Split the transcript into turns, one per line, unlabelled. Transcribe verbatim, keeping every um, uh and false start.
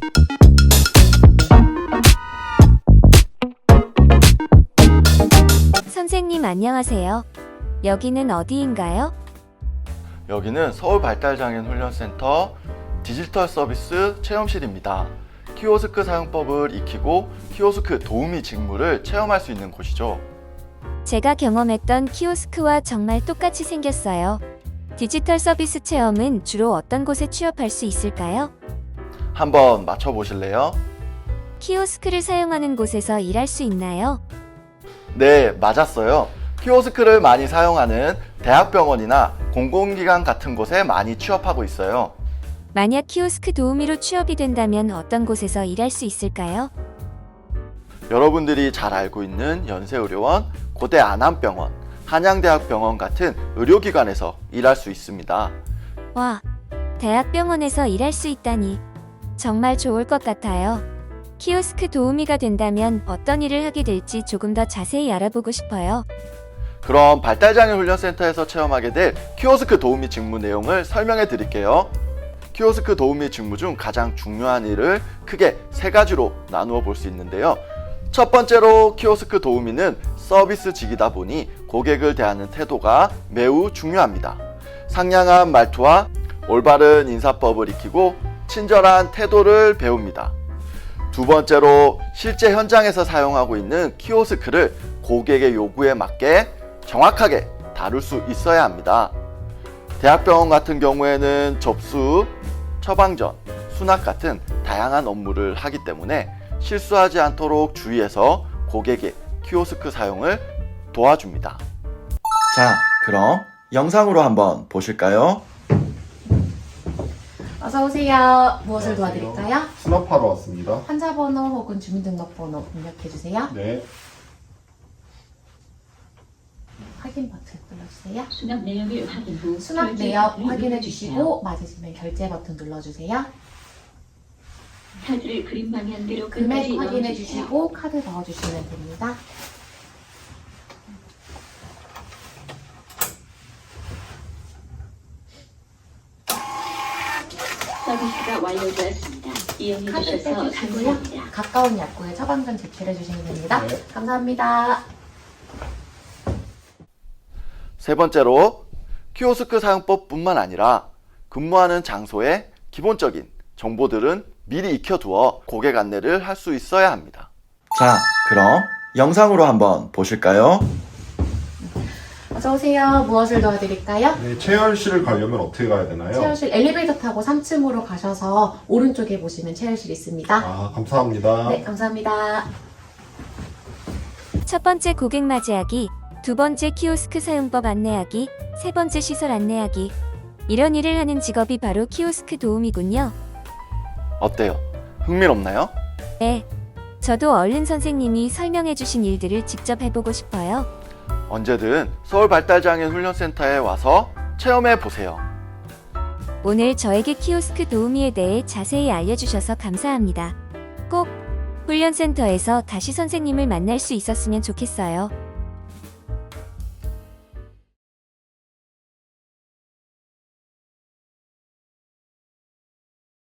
선생님 안녕하세요. 여기는 어디인가요?
여기는 서울발달장애인훈련센터 디지털 서비스 체험실입니다. 키오스크 사용법을 익히고 키오스크 도우미 직무를 체험할 수 있는 곳이죠.
제가 경험했던 키오스크와 정말 똑같이 생겼어요. 디지털 서비스 체험은 주로 어떤 곳에 취업할 수 있을까요?
한번 맞춰보실래요?
키오스크를 사용하는 곳에서 일할 수 있나요?
네, 맞았어요. 키오스크를 많이 사용하는 대학병원이나 공공기관 같은 곳에 많이 취업하고 있어요.
만약 키오스크 도우미로 취업이 된다면 어떤 곳에서 일할 수 있을까요?
여러분들이 잘 알고 있는 연세의료원, 고대 안암병원, 한양대학병원 같은 의료기관에서 일할 수 있습니다.
와, 대학병원에서 일할 수 있다니 정말 좋을 것 같아요. 키오스크 도우미가 된다면 어떤 일을 하게 될지 조금 더 자세히 알아보고 싶어요.
그럼 발달장애훈련센터에서 체험하게 될 키오스크 도우미 직무 내용을 설명해 드릴게요. 키오스크 도우미 직무 중 가장 중요한 일을 크게 세 가지로 나누어 볼 수 있는데요. 첫 번째로 키오스크 도우미는 서비스직이다 보니 고객을 대하는 태도가 매우 중요합니다. 상냥한 말투와 올바른 인사법을 익히고 친절한 태도를 배웁니다. 두 번째로 실제 현장에서 사용하고 있는 키오스크를 고객의 요구에 맞게 정확하게 다룰 수 있어야 합니다. 대학병원 같은 경우에는 접수, 처방전, 수납 같은 다양한 업무를 하기 때문에 실수하지 않도록 주의해서 고객의 키오스크 사용을 도와줍니다. 자, 그럼 영상으로 한번 보실까요?
어서 오세요. 무엇을 도와드릴까요?
수납하러 왔습니다.
환자번호 혹은 주민등록번호 입력해 주세요.
네.
확인 버튼 눌러주세요.
수납 내역을 확인 후
수납
결제
내역
버튼을
확인해
눌러주세요.
주시고 맞으시면 결제 버튼 눌러주세요.
카드를 그림 방향대로
금액
끝까지
확인해
넣어주세요.
주시고 카드 넣어주시면 됩니다.
서비스가 완료되었습니다. 이용해
카드
주셔서
빼주시고요.
감사합니다.
가까운 약국에 처방전 제출해 주시면 됩니다.
네.
감사합니다.
세 번째로 키오스크 사용법뿐만 아니라 근무하는 장소의 기본적인 정보들은 미리 익혀두어 고객 안내를 할 수 있어야 합니다. 자, 그럼 영상으로 한번 보실까요?
어서 오세요. 무엇을 도와드릴까요?
네, 체열실을 가려면 어떻게 가야 되나요?
체열실 엘리베이터 타고 삼 층으로 가셔서 오른쪽에 보시면 체열실 있습니다.
아, 감사합니다.
네, 감사합니다.
첫 번째 고객 맞이하기, 두 번째 키오스크 사용법 안내하기, 세 번째 시설 안내하기. 이런 일을 하는 직업이 바로 키오스크 도우미군요.
어때요? 흥미롭나요?
네, 저도 얼른 선생님이 설명해주신 일들을 직접 해보고 싶어요.
언제든 서울발달장애인훈련센터에 와서 체험해 보세요.
오늘 저에게 키오스크 도우미에 대해 자세히 알려주셔서 감사합니다. 꼭 훈련센터에서 다시 선생님을 만날 수 있었으면 좋겠어요.